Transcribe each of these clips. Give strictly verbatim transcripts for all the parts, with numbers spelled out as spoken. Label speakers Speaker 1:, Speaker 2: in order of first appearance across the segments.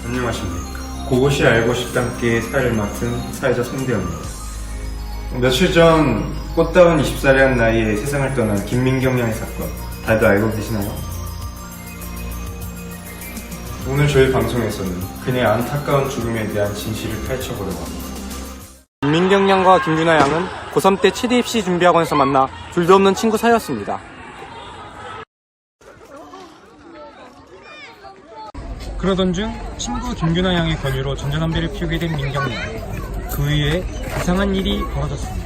Speaker 1: 안녕하십니까. 그것이 알고 싶다께 사회를 맡은 사회자 송대현입니다. 며칠 전 꽃다운 이십 살의 한 나이에 세상을 떠난 김민경 양의 사건 다들 알고 계시나요? 오늘 저희 방송에서는 그녀의 안타까운 죽음에 대한 진실을 펼쳐보려고 합니다.
Speaker 2: 김민경 양과 김윤아 양은 고삼 때 체대 입시 준비학원에서 만나 둘도 없는 친구 사이였습니다. 그러던 중 친구 김윤아 양의 권유로 전자담배를 피우게 된 민경 양. 그 이후에 이상한 일이 벌어졌습니다.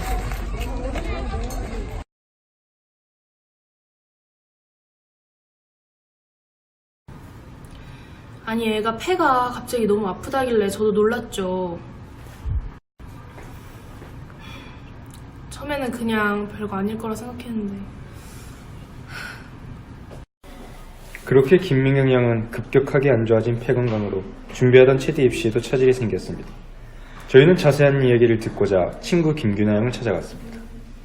Speaker 3: 아니 애가 폐가 갑자기 너무 아프다길래 저도 놀랐죠. 처음에는 그냥 별거 아닐 거라 생각했는데.
Speaker 1: 그렇게 김민경 양은 급격하게 안 좋아진 폐 건강으로 준비하던 체대 입시에도 차질이 생겼습니다. 저희는 자세한 이야기를 듣고자 친구 김균아 양을 찾아갔습니다.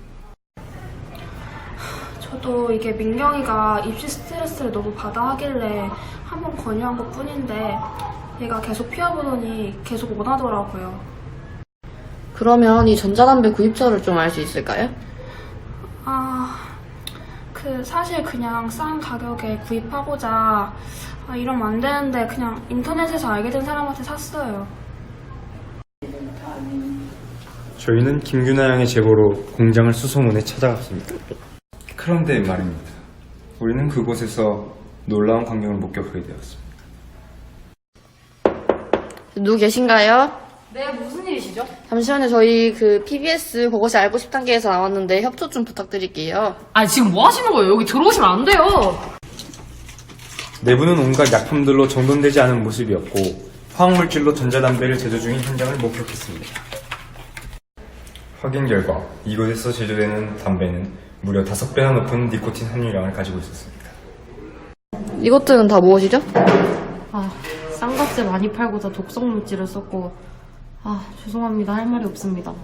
Speaker 3: 저도 이게 민경이가 입시 스트레스를 너무 받아 하길래 한번 권유한 것 뿐인데 얘가 계속 피워보더니 계속 원하더라고요.
Speaker 4: 그러면 이 전자담배 구입처를 좀 알 수 있을까요?
Speaker 3: 아... 그 사실 그냥 싼 가격에 구입하고자 아, 이러면 안 되는데 그냥 인터넷에서 알게 된 사람한테 샀어요.
Speaker 1: 저희는 김균아 양의 제보로 공장을 수소문해 찾아갔습니다. 그런데 말입니다. 우리는 그곳에서 놀라운 광경을 목격하게 되었습니다.
Speaker 4: 누구 계신가요?
Speaker 5: 네, 무슨 일이시죠?
Speaker 4: 잠시만요. 저희 그 피비에스 그것이 알고 싶 단계에서 나왔는데 협조 좀 부탁드릴게요.
Speaker 5: 아, 지금 뭐 하시는 거예요? 여기 들어오시면 안 돼요.
Speaker 1: 내부는 온갖 약품들로 정돈되지 않은 모습이었고 화학물질로 전자담배를 제조 중인 현장을 목격했습니다. 확인 결과 이곳에서 제조되는 담배는 무려 다섯 배나 높은 니코틴 함유량을 가지고 있었습니다.
Speaker 4: 이것들은 다 무엇이죠?
Speaker 5: 아, 쌍각제 많이 팔고자 독성 물질을 썼고, 아, 죄송합니다. 할 말이 없습니다.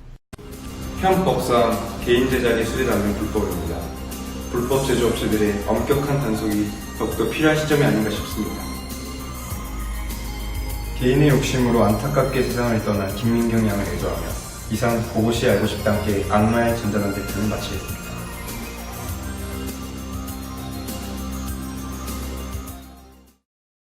Speaker 1: 형법상 개인 제작의 수리담은 불법입니다. 불법 제조업체들의 엄격한 단속이 더욱더 필요한 시점이 아닌가 싶습니다. 개인의 욕심으로 안타깝게 세상을 떠난 김민경 양을 애도하며 이상 그것이 알고 싶다 함께 악마의 전자담배 편을 마치겠습니다.